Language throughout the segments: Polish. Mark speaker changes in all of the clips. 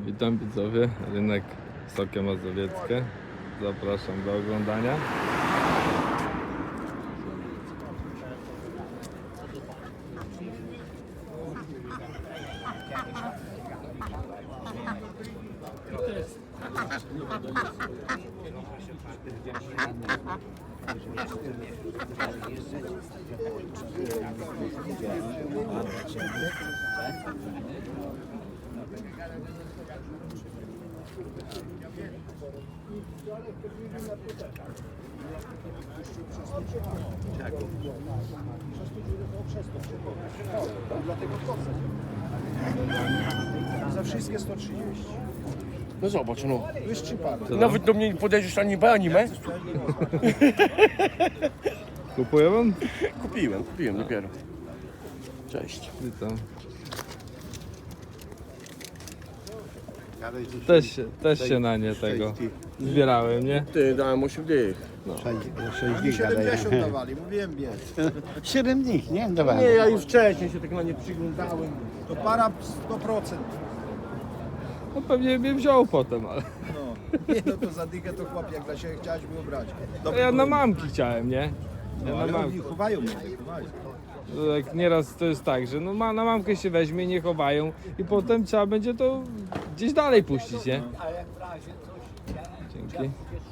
Speaker 1: Witam widzowie, rynek Wysokie Mazowieckie. Zapraszam do oglądania.
Speaker 2: Za wszystkie 130.
Speaker 3: No zobacz, no.
Speaker 2: Wyższy pan.
Speaker 3: Nawet do mnie nie podejdziesz ani B, ani M.
Speaker 1: Kupuje pan?
Speaker 3: Kupiłem dopiero. Cześć.
Speaker 1: Witam.
Speaker 4: Ale
Speaker 1: Też się na nie tego zbierałem, nie?
Speaker 3: Ty, dałem 8 dych.
Speaker 4: 6
Speaker 2: Oni 70 dawali, mówiłem biec.
Speaker 4: 7 dni, nie? Dawaj.
Speaker 3: Nie, ja już wcześniej się tak na nie przyglądałem.
Speaker 2: To para 100%.
Speaker 1: No pewnie mnie wziął potem, ale
Speaker 2: No. Nie, no to za dychę to chłop, jak dla siebie chciałeś było brać.
Speaker 1: ja na mamki chciałem, nie?
Speaker 2: No,
Speaker 1: Ja na
Speaker 2: ale
Speaker 1: mamki.
Speaker 2: oni chowają mnie, chowają.
Speaker 1: Jak nieraz to jest tak, że no na mamkę się weźmie, nie chowają i potem trzeba będzie to gdzieś dalej puścić, nie? Dzięki.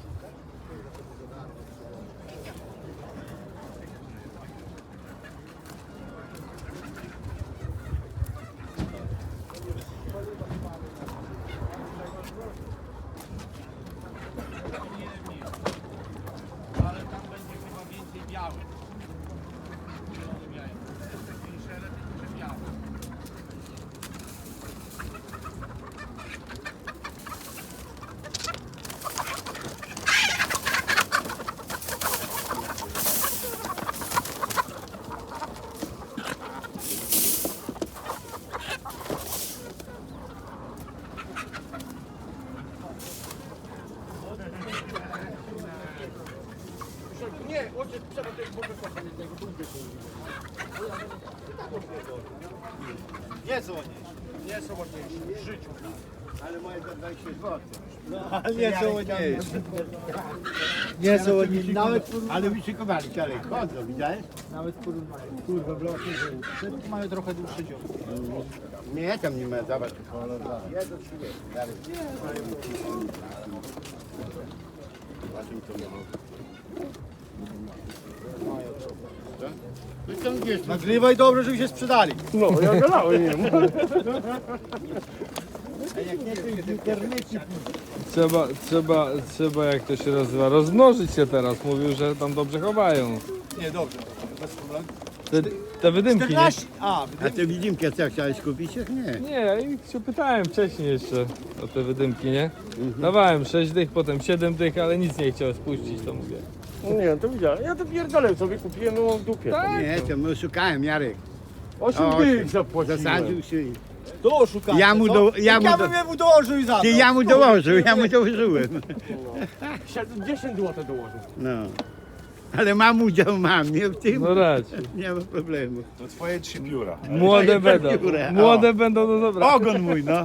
Speaker 3: Nie, ojciec trzeba też może kochać jednego drugiego.
Speaker 2: Nie są ładniejsze.
Speaker 3: Nie są ładniejsze w życiu.
Speaker 4: Ale moje za 20 zł.
Speaker 2: Ale nie są ładniejsze.
Speaker 4: Nie są ładniejsze. Nawet, ale wyszykowali, Czarek. Chodzą, widziałeś?
Speaker 2: Nawet kurwa, bloki, że mają trochę dłuższe dzioby.
Speaker 4: Nie, tam nie ma, zobacz. Jedno czy nie? Dalej.
Speaker 2: Nagrywaj dobrze, żeby się sprzedali.
Speaker 3: No, ja gadałem, nie wiem.
Speaker 1: Trzeba jak to się nazywa, rozmnożyć się teraz. Mówił, że tam dobrze chowają.
Speaker 2: Nie, dobrze, bez problemu.
Speaker 1: Te wydymki, nie?
Speaker 2: 14! A,
Speaker 4: A ty widimkę co, chciałeś kupić? Nie.
Speaker 1: Nie, ja się pytałem wcześniej jeszcze o te wydymki, nie? Dawałem 6 dych, potem 7 dych, ale nic nie chciał spuścić, to mówię.
Speaker 3: Nie, to widziałem. Ja to pierdolę sobie kupiłem, no w dupie.
Speaker 1: Tak?
Speaker 4: Nie, to my szukałem, Jarek.
Speaker 3: 8
Speaker 4: O,
Speaker 3: dych zapłaciłem.
Speaker 4: Zasadził się.
Speaker 2: to oszukanie,
Speaker 4: Ja mu
Speaker 2: co?
Speaker 4: do- ja mu
Speaker 2: Ja
Speaker 4: do-
Speaker 2: bym mu dołożył i za to.
Speaker 4: Ty, ja mu dołożył, ja mu dołożyłem.
Speaker 3: 10 zł dołożył.
Speaker 4: No. Ale mam udział, nie w tym.
Speaker 1: No raczej.
Speaker 4: Nie ma problemu.
Speaker 2: To twoje 3 biura.
Speaker 1: Młode będą,
Speaker 4: biurę,
Speaker 1: młode będą, no dobra.
Speaker 4: Ogon mój, no.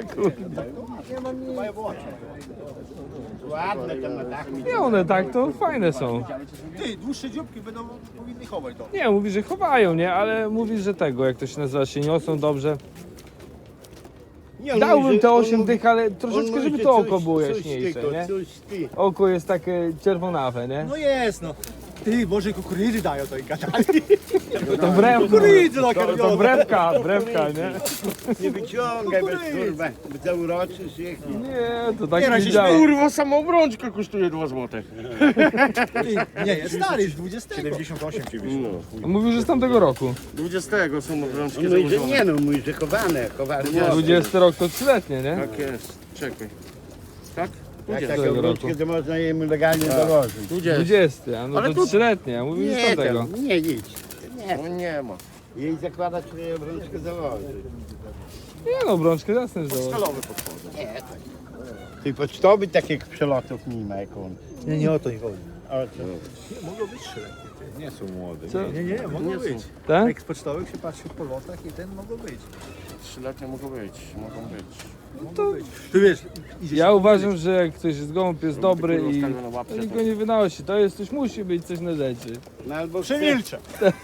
Speaker 4: Ładne tam na dachu.
Speaker 1: Nie, one tak, to fajne są.
Speaker 2: Ty, dłuższe dzióbki będą powinny chować to.
Speaker 1: Nie, mówi, że chowają, nie? Ale mówi, że tego, jak to się nazywa, się niosą dobrze.
Speaker 4: Nie, on
Speaker 1: Dałbym
Speaker 4: mówi,
Speaker 1: te
Speaker 4: że-
Speaker 1: 8
Speaker 4: on
Speaker 1: dych, ale
Speaker 4: mówi,
Speaker 1: troszeczkę, żeby
Speaker 4: że
Speaker 1: to
Speaker 4: coś-
Speaker 1: oko było
Speaker 4: coś
Speaker 1: jaśniejsze,
Speaker 4: tylko,
Speaker 1: nie?
Speaker 4: coś ty.
Speaker 1: Oko jest takie czerwonawe, nie?
Speaker 2: No jest, no. Ty, może kukurydzy dają to i gadali.
Speaker 1: To wrewka,
Speaker 2: Kukurydzy
Speaker 1: to
Speaker 2: nakarmione.
Speaker 1: wrewka, nie?
Speaker 4: Nie wyciągaj bez kurwa, bo zauroczysz ich.
Speaker 1: Nie, to tak
Speaker 2: Nie,
Speaker 1: nie
Speaker 2: razie
Speaker 1: działa.
Speaker 3: Kurwa, sama obrączka kosztuje 2 zł.
Speaker 2: Ty, nie, jest stary, jest 20. 78 ci wyszło.
Speaker 1: Mówił, że z tamtego roku.
Speaker 3: 20 są obrączki
Speaker 4: On mówi, że
Speaker 3: założone.
Speaker 4: nie no, mówi, że chowane.
Speaker 1: 20 rok to 3-letnie, nie?
Speaker 3: Tak jest. Czekaj. Tak?
Speaker 4: Jak
Speaker 3: 20.
Speaker 4: taką wróczkę, to można jemu legalnie dołożyć.
Speaker 1: 20, a no
Speaker 3: Ale
Speaker 1: to
Speaker 3: tu-
Speaker 1: 3-letnie, a mówił, że z
Speaker 4: Nie,
Speaker 1: tamtego.
Speaker 4: tam, nie idź. Nie,
Speaker 3: No nie ma.
Speaker 4: jej zakładać, że jej wróczkę założyć.
Speaker 1: Nie no, brączkę jasne, że
Speaker 3: Stalowy podchodzę.
Speaker 4: Ty pocztowy takich przelotów nie ma jak on.
Speaker 2: Nie, nie o to nie chodzi.
Speaker 4: O co?
Speaker 2: Mogą być 3-letnie. Nie są młode.
Speaker 1: Co?
Speaker 2: Nie, mogą
Speaker 3: Nie
Speaker 2: być.
Speaker 3: są.
Speaker 1: Tak?
Speaker 2: Jak z pocztowych się patrzy po lotach i ten mogą być.
Speaker 3: 3-letnie mogą być.
Speaker 1: to
Speaker 2: Ty wiesz, idziesz
Speaker 1: ja uważam, że jak ktoś jest gołąb, jest dobry i
Speaker 3: Ustawione na łapce,
Speaker 1: to nikt go nie wynosi. To jest coś, musi być coś na rzeczy.
Speaker 4: No albo
Speaker 2: przemilczę.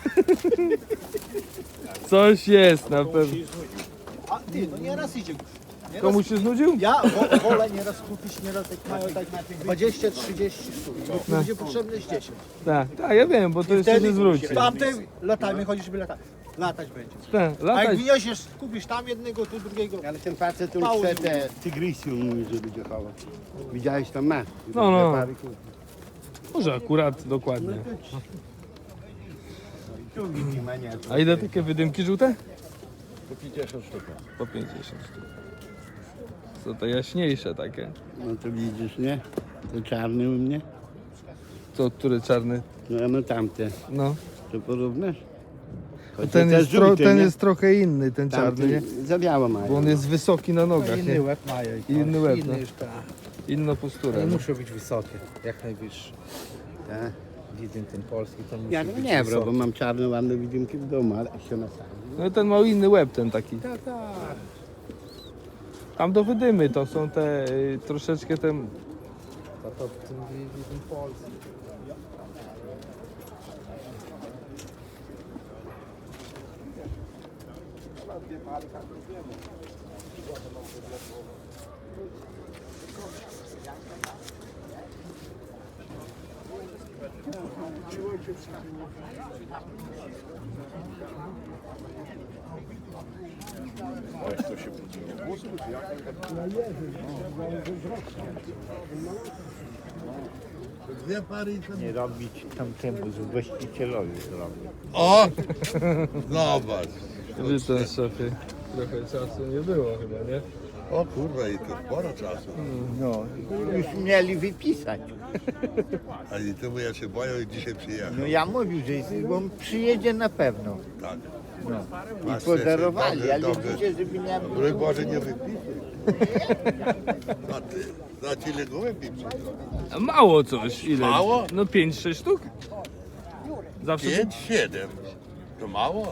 Speaker 1: Coś jest na pewno.
Speaker 2: A ty, no nieraz idzie. Nieraz,
Speaker 1: Komuś się znudził?
Speaker 2: ja wolę nieraz kupić, nieraz jak mają tak 20-30 sztuk. Bo będzie potrzebne z 10.
Speaker 1: Tak, ja wiem, bo to jeszcze nie zwróci.
Speaker 2: Tamtym latami chodzisz, żeby latać będzie.
Speaker 1: Tak,
Speaker 2: A jak
Speaker 1: latać.
Speaker 2: wyniesiesz, kupisz tam jednego, tu drugiego.
Speaker 4: Ale ten facet tu
Speaker 2: Mało
Speaker 4: chce
Speaker 2: nie
Speaker 4: te tygrysy, on mówi, że będzie chował. Widziałeś tam ma?
Speaker 1: No. Może akurat dokładnie.
Speaker 4: Tu widzi ma nie.
Speaker 1: A ile takie wydymki żółte?
Speaker 4: Po 50 sztuk.
Speaker 1: Po 50 sztuk. Co to jaśniejsze takie?
Speaker 4: No to widzisz, nie? To czarny u mnie.
Speaker 1: Co, który czarny?
Speaker 4: No tamte.
Speaker 1: No.
Speaker 4: To porównasz? Choć
Speaker 1: Ten,
Speaker 4: to
Speaker 1: jest,
Speaker 4: też żółty,
Speaker 1: ten
Speaker 4: nie?
Speaker 1: jest trochę inny, ten czarny, nie?
Speaker 4: Za biało mają.
Speaker 1: Bo on jest wysoki na nogach, nie?
Speaker 2: łeb mają.
Speaker 1: Inny łeb, no.
Speaker 2: Inny już tak.
Speaker 1: Inna postura.
Speaker 2: Ale
Speaker 1: nie?
Speaker 2: muszą być wysokie, jak najwyższe.
Speaker 4: Tak.
Speaker 2: Widzę ten polski, to musi
Speaker 4: Ja
Speaker 2: być
Speaker 4: nie bro, bo
Speaker 2: wysoki.
Speaker 4: mam czarne ładne widymki w domu, ale się na sali.
Speaker 1: No ten ma inny łeb, ten taki.
Speaker 2: Tak, tak.
Speaker 1: Tam do wydymy to są te troszeczkę ten.
Speaker 2: To w tym widzę polski.
Speaker 4: Nie robić tamtemu z właścicielowi zrobić.
Speaker 5: O! Zobacz.
Speaker 1: Witam, szefie. Trochę czasu nie było chyba, nie?
Speaker 5: O kurwa, i to sporo czasu.
Speaker 4: No, już mieli wypisać.
Speaker 5: Ani temu ja się boję i dzisiaj przyjechał.
Speaker 4: No ja mówił, że on przyjedzie na pewno.
Speaker 5: Tak.
Speaker 4: I podarowali,
Speaker 5: Dobrze,
Speaker 4: ale
Speaker 5: dobrze.
Speaker 4: widzicie, żeby nie było.
Speaker 5: Broń Boże, nie wypisuj. A ty, za ile gołębi przyjdą?
Speaker 1: A mało coś. Ile?
Speaker 5: Mało?
Speaker 1: No 5-6 sztuk? Zawsze
Speaker 5: 5, 7. To mało?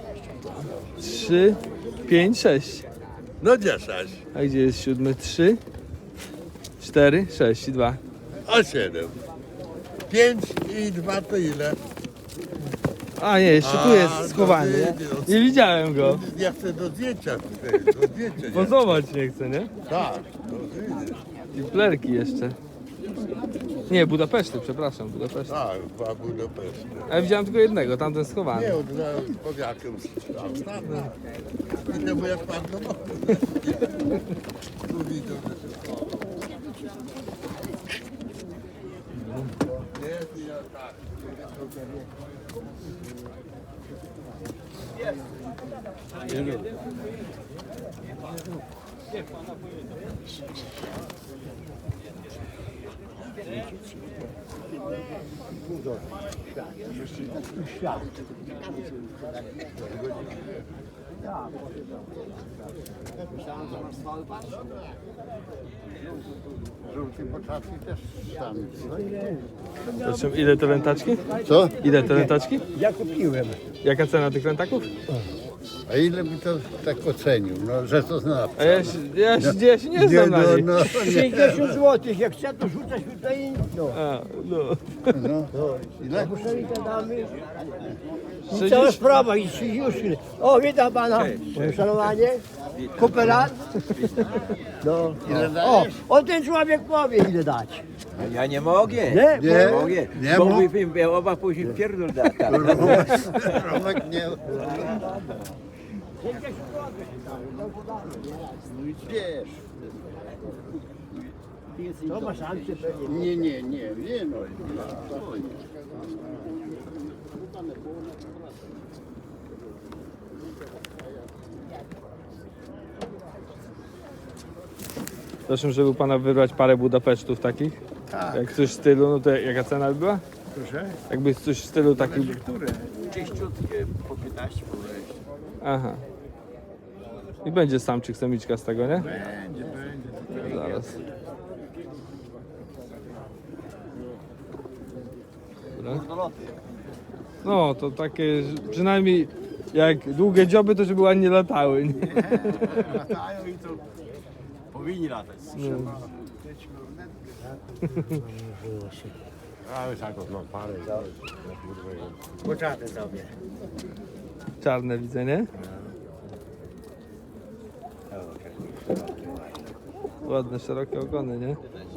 Speaker 1: 3, 5, 6.
Speaker 5: No 10.
Speaker 1: A gdzie jest 7? 3, 4, 6 i 2.
Speaker 5: A 7. 5 i 2 to ile?
Speaker 1: A nie, jeszcze tu
Speaker 5: A,
Speaker 1: jest schowany, nie?
Speaker 5: no,
Speaker 1: Nie widziałem go.
Speaker 5: Ja chcę do zdjęcia tutaj, do zdjęcia. nie?
Speaker 1: Pozować nie chcę, nie?
Speaker 5: Tak, to wyjdzie.
Speaker 1: I plerki jeszcze. Nie, Budapeszty, przepraszam, Budapeszty.
Speaker 5: Tak, dwa Budapeszty.
Speaker 1: A ja widziałem tylko jednego, tamten schowany.
Speaker 5: Nie, od powiakiem tam. I temu jak pan do domu. Tu widzą, że się nie, ja tak.
Speaker 4: Żółty potrafi też tam.
Speaker 1: Proszę, ile te lentaczki?
Speaker 4: Co?
Speaker 1: Ile te lentaczki?
Speaker 4: Ja kupiłem.
Speaker 1: Jaka cena tych lentaków?
Speaker 4: A ile by to tak ocenił? No, że to zna.
Speaker 1: A ja się nie znam na nich.
Speaker 6: 50 zł, jak chce to rzucać tutaj, no.
Speaker 1: A, no.
Speaker 4: Ile?
Speaker 6: Muszę i gadamy. I
Speaker 1: 60.
Speaker 6: cała sprawa, i już. O, witam pana. Szanowanie. Kooperant. No.
Speaker 4: Ile
Speaker 6: O,
Speaker 4: dajesz?
Speaker 6: on ten człowiek powie, ile dać.
Speaker 7: Ja nie mogę.
Speaker 6: Nie?
Speaker 4: Nie,
Speaker 7: Mogę.
Speaker 4: nie
Speaker 7: Bo
Speaker 4: mógł.
Speaker 7: mówię, oba później pierdol da.
Speaker 4: Romek nie. Wiesz.
Speaker 6: To ma szansę pewnie.
Speaker 4: Nie, no.
Speaker 1: Proszę, żeby u pana wybrać parę Budapesztów takich.
Speaker 4: Tak.
Speaker 1: Jak coś w stylu, no to jaka cena by była?
Speaker 4: Proszę?
Speaker 1: Jakby coś w stylu takim.
Speaker 7: Czyściutkie po 15 po 20.
Speaker 1: Aha. I będzie samczyk, samiczka z tego, nie?
Speaker 4: Będzie.
Speaker 1: Zaraz. Dobra. No, to takie, że przynajmniej jak długie dzioby, to żeby ładnie latały. Nie?
Speaker 4: Latają i to
Speaker 7: Powinni latać.
Speaker 4: Ale tak, no parę.
Speaker 2: Poczarny sobie.
Speaker 1: Czarne widzę, nie? Ładne, szerokie ogony, nie?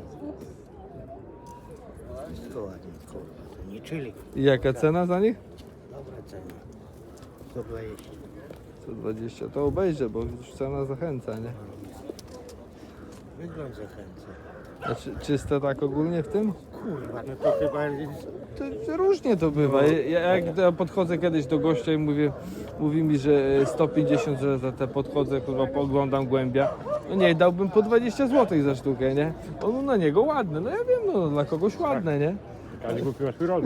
Speaker 2: Wszystko ładnie, kurwa. To nie czyli.
Speaker 1: I jaka cena za nich?
Speaker 2: Dobra cena. 120.
Speaker 1: 120. To obejrzę, bo już cena zachęca, nie?
Speaker 2: Wygląd zachęca.
Speaker 1: A czyste tak ogólnie w tym?
Speaker 2: Kurwa, no to chyba...
Speaker 1: To różnie to bywa. Ja podchodzę kiedyś do gościa i mówi mi, że 150 za te podchodzę, kurwa, pooglądam głębia. No nie, dałbym po 20 zł za sztukę, nie? On na niego ładne. No ja wiem, no dla kogoś ładne, nie?
Speaker 4: Ale kupiła swój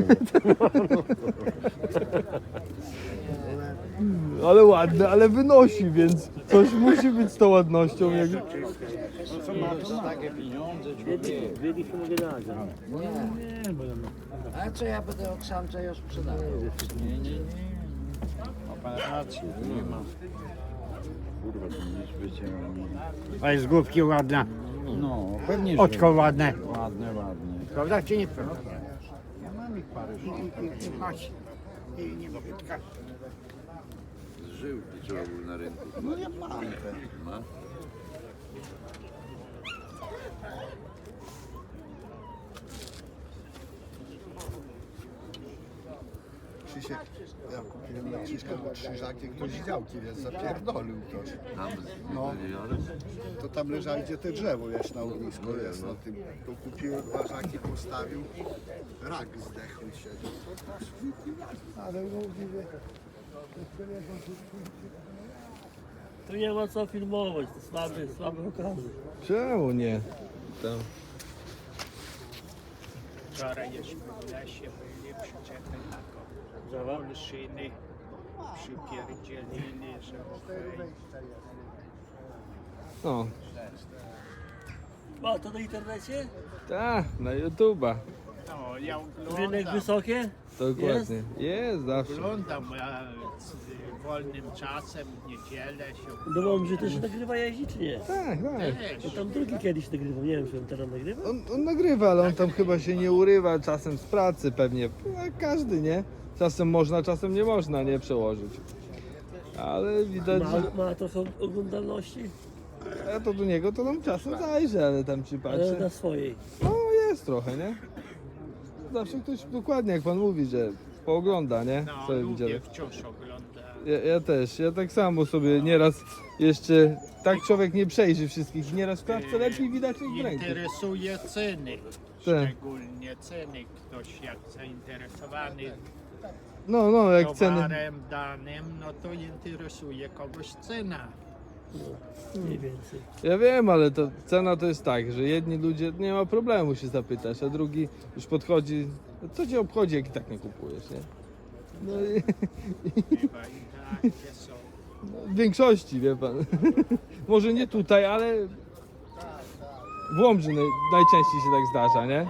Speaker 1: Ale ładne, ale wynosi, więc coś musi być z tą ładnością. Jak...
Speaker 2: A co ja będę od samca już sprzedawał?
Speaker 4: A jest główki ładna.
Speaker 8: No, pewnie,
Speaker 4: Oczko ładne.
Speaker 8: ładne, ładne.
Speaker 4: Prawda czy nie prawda? Ja mam ich parę. I chodź. I nie mogę tkać.
Speaker 5: Żył trzeba był na rynku.
Speaker 8: No ja mam te.
Speaker 5: Ma?
Speaker 9: Krzysiek, ja kupiłem na Krzyśka do Krzyżakie, ktoś z działki, więc zapierdolił ktoś.
Speaker 5: Tam
Speaker 9: No. To tam leżało, gdzie te drzewo jest na ognisku, jest na tym. To kupiłem ważaki, postawił, rak zdechł się. Ale mówię,
Speaker 6: Tu nie ma co filmować, to słabe okazy.
Speaker 1: Czemu nie? Tam.
Speaker 10: Wczoraj jeszcze w lesie byli przyczepy taką olszyny, przypierdzielili, że okej.
Speaker 1: No,
Speaker 6: Ma to na internecie?
Speaker 1: tak, na YouTube'a.
Speaker 10: No, ja
Speaker 6: Rynek
Speaker 10: oglądam,
Speaker 6: wysokie?
Speaker 1: Dokładnie. Jest zawsze.
Speaker 10: oglądam z wolnym czasem, w niedzielę się
Speaker 6: No bo że też nagrywa jeździ czy nie?
Speaker 1: Tak, tak.
Speaker 6: To tam drugi kiedyś nagrywał, nie wiem czy on teraz nagrywa.
Speaker 1: On nagrywa, ale on tam chyba się nie urywa, czasem z pracy pewnie. No, jak każdy, nie? Czasem można, czasem nie można, nie przełożyć. Ale widać, że
Speaker 6: Ma trochę oglądalności,
Speaker 1: ja to do niego to tam czasem zajrzę, ale tam czy
Speaker 6: ale
Speaker 1: patrzę.
Speaker 6: na swojej.
Speaker 1: No jest trochę, nie? Zawsze ktoś dokładnie jak pan mówi, że poogląda, nie?
Speaker 10: no,
Speaker 1: Sobie
Speaker 10: lubię
Speaker 1: widziałem.
Speaker 10: wciąż oglądać.
Speaker 1: Ja też, ja tak samo sobie nieraz jeszcze, tak człowiek nie przejrzy wszystkich, nieraz w klatce lepiej widać niż w ręku.
Speaker 10: Interesuje ceny,
Speaker 1: Tak.
Speaker 10: szczególnie ceny. Ktoś jak zainteresowany
Speaker 1: No, jak ceny.
Speaker 10: towarem danym, no to interesuje kogoś cena.
Speaker 6: Mniej więcej.
Speaker 1: Ja wiem, ale to cena to jest tak, że jedni ludzie nie ma problemu się zapytać, a drugi już podchodzi, co cię obchodzi, jak i tak nie kupujesz, nie? No i
Speaker 10: Chyba i takie są.
Speaker 1: w większości, wie pan. Może nie tutaj, ale w Łomży najczęściej się tak zdarza, nie?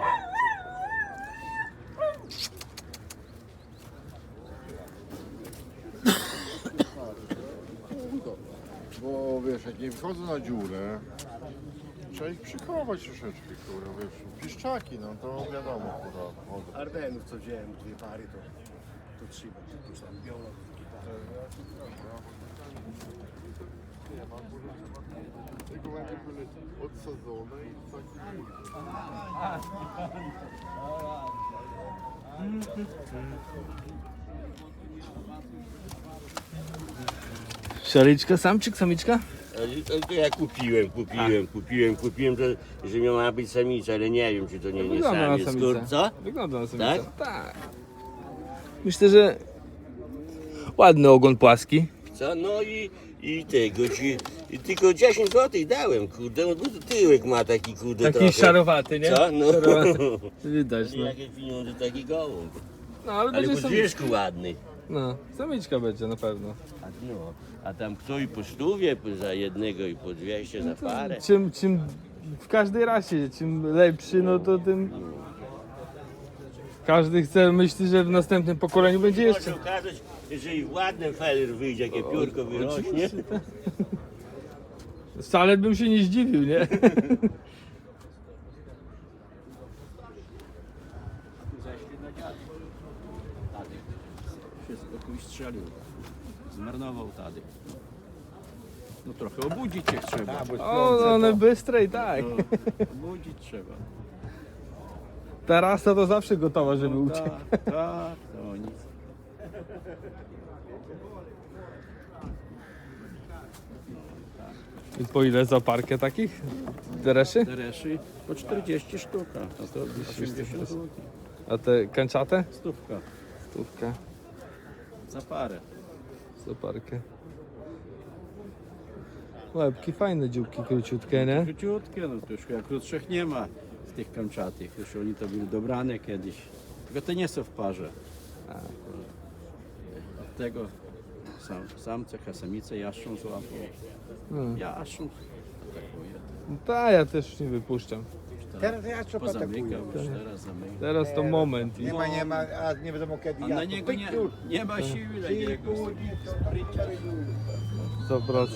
Speaker 5: Bo wiesz, jak nie wchodzą na dziurę, trzeba ich przychować troszeczkę, kurwa, wiesz, piszczaki, no to wiadomo, kurwa. Od...
Speaker 9: Ardenów co wziąłem, dwie pary, to trzeba, to tam biolog.
Speaker 5: Te gołębie były odsadzone i takie...
Speaker 1: Szaliczka, samczyk, samiczka?
Speaker 3: To ja kupiłem, to, że miała być samica, ale nie wiem, czy to nie
Speaker 1: Wygląda na
Speaker 3: samiec.
Speaker 1: samicę.
Speaker 3: Co?
Speaker 1: Wygląda na samicę.
Speaker 3: Tak?
Speaker 1: Tak. Myślę, że ładny ogon płaski.
Speaker 3: Co? No i tego ci, tylko 10 zł dałem, kurde, no bo to tyłek ma taki, kurde,
Speaker 1: Taki
Speaker 3: trochę.
Speaker 1: szarowaty, nie?
Speaker 3: Co? No.
Speaker 1: Szarowaty. Widać, no.
Speaker 3: Jakie pieniądze, taki gołąb.
Speaker 1: No, ale
Speaker 3: Ale
Speaker 1: będzie
Speaker 3: po
Speaker 1: samiczka.
Speaker 3: zwierzchu ładny.
Speaker 1: No, samiczka będzie na pewno.
Speaker 3: A tam kto i po stówie za jednego i po 200 za parę.
Speaker 1: Czym w każdej rasie, czym lepszy, no to tym każdy chce, myśli, że w następnym pokoleniu będzie
Speaker 3: Może
Speaker 1: jeszcze.
Speaker 3: okazać, jeżeli ładny feller wyjdzie, jakie piórko wyrośnie.
Speaker 1: Wcale bym się nie zdziwił, nie?
Speaker 7: Zeszli na dziad. Tadek wszystko tu strzelił. Zmarnował Tadek. No trochę obudzić się trzeba.
Speaker 1: O, no one bystre i tak.
Speaker 7: Obudzić trzeba.
Speaker 1: Ta to zawsze gotowa, żeby uciekł.
Speaker 7: Tak, to nic.
Speaker 1: I po ile za parkę takich? Dereszy?
Speaker 7: Tereszy po 40 sztuka. No to 80 zł.
Speaker 1: A te kanciate?
Speaker 7: Stówka
Speaker 1: Stówka
Speaker 7: za parę.
Speaker 1: za parkę. Łebki fajne, dzióbki króciutkie, nie?
Speaker 7: Króciutkie, no to już jak krótszych nie ma z tych kamczatych. Już oni to były dobrane kiedyś. Tylko te nie są w parze. Od tego samce, samice jaszczą złapą. Jaszczą atakuje.
Speaker 1: Ta, ja też nie wypuszczam.
Speaker 4: Teraz ja co
Speaker 7: Pozamykał już, teraz zamykał.
Speaker 1: Teraz to moment.
Speaker 4: Nie ma, a nie wiadomo kiedy.
Speaker 7: A na niego nie ma siły na niego.
Speaker 1: 100%.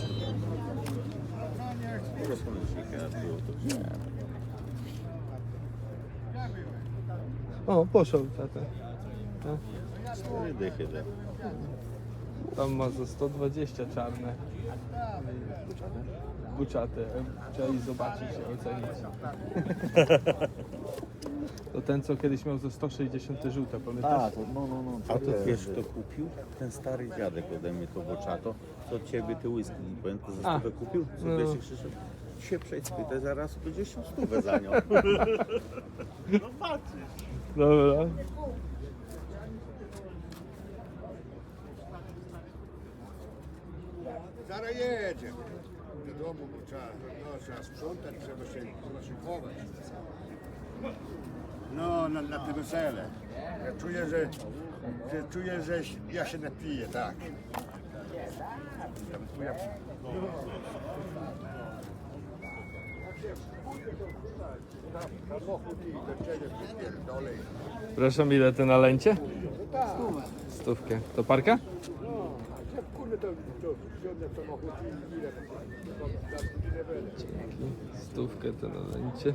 Speaker 1: O, poszedł tata. Tam ma za 120 czarne. Buciate. Trzeba iść zobaczyć, ocenić. To ten, co kiedyś miał za 160 te żółte, pamiętasz?
Speaker 8: A to wiesz, kto kupił? Ten stary dziadek ode mnie to boczato. Co od ciebie ty whisky, pamiętam, za stówę kupił? Co
Speaker 1: No.
Speaker 8: wiesz, Krzysztof? Się przejdź, spytaj, zaraz będzie się stówę za nią.
Speaker 1: Dobra.
Speaker 9: Zaraz jedzie. Do domu, bo trzeba sprzątać, trzeba się szykować. No, na te wesele. Ja czuję, że ja się napiję, tak.
Speaker 1: Proszę, ile te na lęcie? Stówkę. To parka? Dzięki. Stówkę to na lęcie.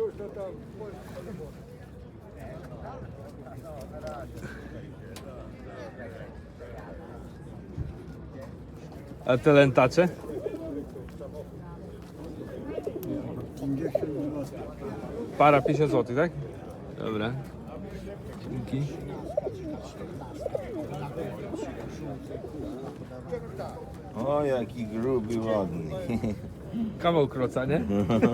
Speaker 1: A te lętacze?
Speaker 9: 50 zł.
Speaker 1: Para 50 zł, tak? Dobra. Dzięki.
Speaker 8: O, jaki gruby, ładny.
Speaker 1: Kawał kroca, nie?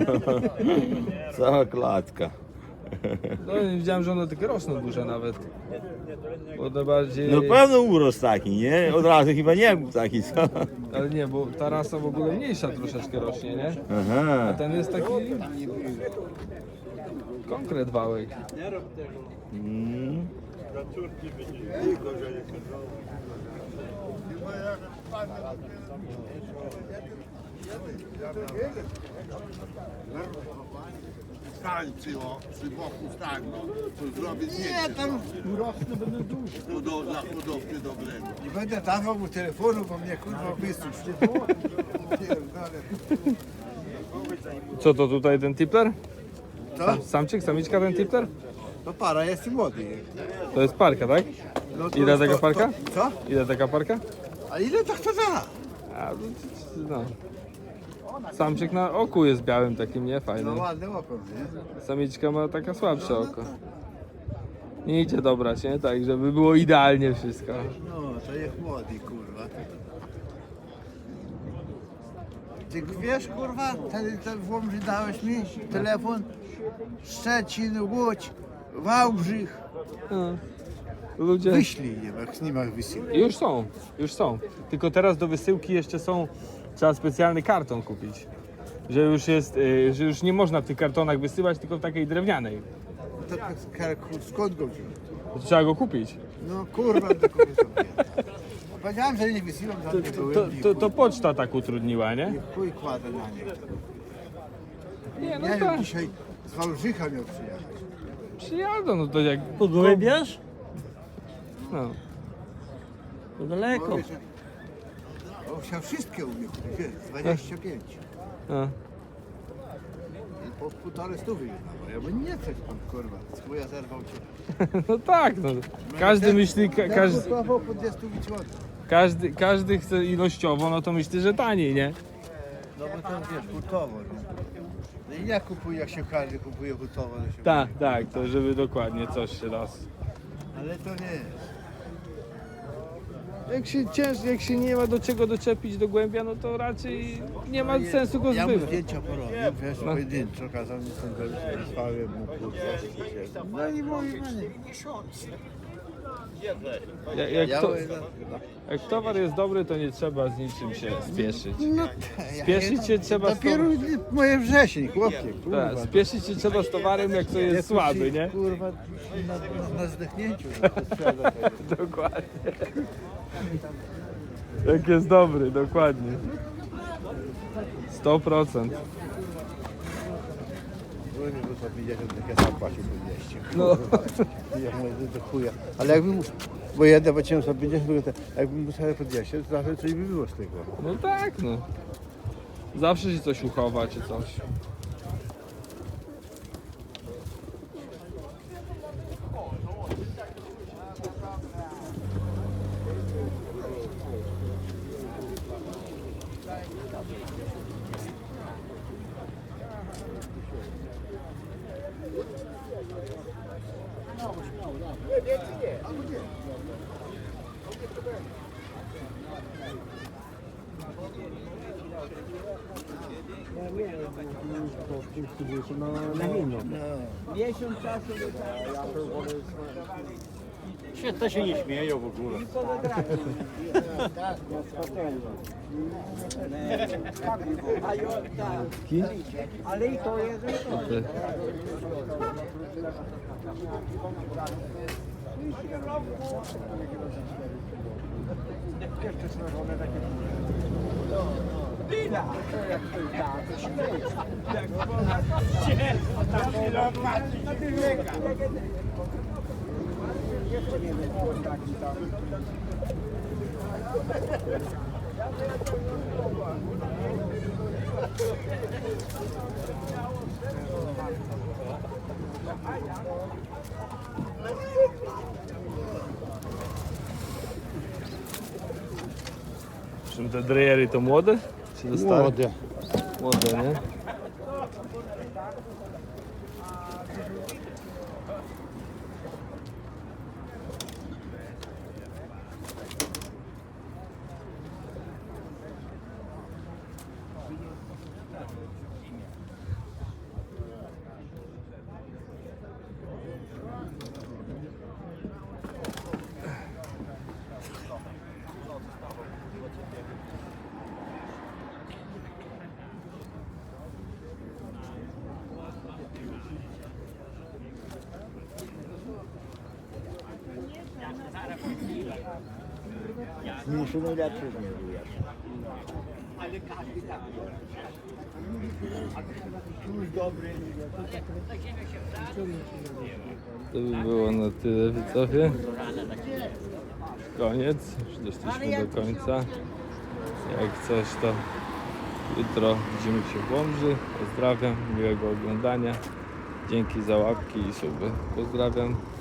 Speaker 8: Cała klatka.
Speaker 1: No nie widziałem, że one takie rosną duże nawet. Bo one bardziej...
Speaker 8: No pewno urost taki, nie? Od razu chyba nie był taki, co?
Speaker 1: Ale nie, bo ta rasa w ogóle mniejsza troszeczkę rośnie, nie? A
Speaker 8: Aha.
Speaker 1: ten jest taki... Konkret wałek.
Speaker 8: Mm.
Speaker 9: Tańcy, o, przy boku tak, no, to zrobię zdjęcie. Nie, tam urosnę, będę duży. Dla hodowcy dobrego.
Speaker 4: Nie będę dawał mu telefonu, bo mnie kurwa wysusz.
Speaker 1: Co to tutaj, ten tipler?
Speaker 4: Co?
Speaker 1: Samczyk, samiczka, ten tipler?
Speaker 4: To para jest i młody.
Speaker 1: To jest parka, tak?
Speaker 4: No to-
Speaker 1: Ile taka
Speaker 4: to-
Speaker 1: parka?
Speaker 4: Co?
Speaker 1: Ile taka parka?
Speaker 4: A ile to kto da?
Speaker 1: A, no. Samczyk na oku jest białym takim, nie?
Speaker 4: No
Speaker 1: Fajnym.
Speaker 4: ładne oko, nie?
Speaker 1: Samiczka ma taka słabsze oko. Nie idzie dobrać, nie? Tak, żeby było idealnie wszystko.
Speaker 4: No, to jest młody, kurwa. Ty wiesz, kurwa, ten w Łomży dałeś mi telefon? Szczecin, Łódź, Wałbrzych.
Speaker 1: No. Ludzie...
Speaker 4: Wyślij je, jak nie masz wysyłki.
Speaker 1: Już są, już są. Tylko teraz do wysyłki jeszcze są, trzeba specjalny karton kupić. Że już jest, że już nie można w tych kartonach wysyłać, tylko w takiej drewnianej.
Speaker 4: To skąd go wziąć?
Speaker 1: To trzeba go kupić.
Speaker 4: No kurwa, do kogo sobie. Powiedziałem, że nie wysyłam, tam nie byłem.
Speaker 1: To poczta tak utrudniła, nie?
Speaker 4: I chuj kładę na nie.
Speaker 1: Nie, no
Speaker 4: Ja
Speaker 1: tak.
Speaker 4: wiem, dzisiaj z Wałbrzycha miał przyjechać.
Speaker 1: Przyjadą, no to jak...
Speaker 6: Pogłębiasz?
Speaker 1: No.
Speaker 6: To daleko.
Speaker 4: On chciał wszystkie u mnie kupić, wiesz, 25.
Speaker 1: A.
Speaker 9: I po 1,5 stówy już dawał. Ja bym nie coś pan, kurwa. Z chuja zerwał cię.
Speaker 1: No tak, no. Każdy myśli, każdy,
Speaker 9: Kupował po 200 zł.
Speaker 1: każdy chce ilościowo, no to myśli, że taniej, nie?
Speaker 9: No bo to wiesz, hurtowo, nie? No i ja kupuję, jak się każdy kupuje hurtowo. To się
Speaker 1: Tak, tak, to żeby dokładnie coś się raz.
Speaker 9: Ale to nie jest.
Speaker 1: Jak się nie ma do czego doczepić do głębia, no to raczej nie ma sensu go
Speaker 9: Ja mu
Speaker 1: zbywać.
Speaker 9: zdjęcia porobił, wiesz, pojedynczo, kazał mi stąd wysłałem mu kurwa. No i mówi,
Speaker 1: Jak towar jest dobry, to nie trzeba z niczym się spieszyć.
Speaker 9: no
Speaker 1: Spieszyć się trzeba z
Speaker 9: dopiero moje wrzesień, chłopie, kurwa.
Speaker 1: Tak, spieszyć się trzeba z towarem, jak to jest słaby, nie?
Speaker 9: Kurwa, na zdechnięciu. No, to sprzeda tego.
Speaker 1: Dokładnie. Jak jest dobry, dokładnie. 100%.
Speaker 9: Byłem mi wysłał 50, jak ja sam płacił po 200.
Speaker 1: No.
Speaker 9: Ja mówię, do chuja. Ale jakbym, bo ja zapłaciłem sobie 50, jakbym musiał po 200, to zawsze coś by było z tego.
Speaker 1: No tak, no. Zawsze się coś uchowa, czy coś.
Speaker 6: Miesiąc czasu
Speaker 7: To się nie śmieją w ogóle.
Speaker 6: ale i to jest
Speaker 1: Czym te drejery to młode? Czy to stare?
Speaker 9: Młode.
Speaker 1: Młode, nie?
Speaker 9: Mniejszy najlepszy z mnie był jeszcze.
Speaker 1: To by było na tyle, widzowie. Koniec, już doszliśmy do końca. Jak coś, to jutro widzimy się w Łomży. Pozdrawiam, miłego oglądania. Dzięki za łapki i suby. Pozdrawiam.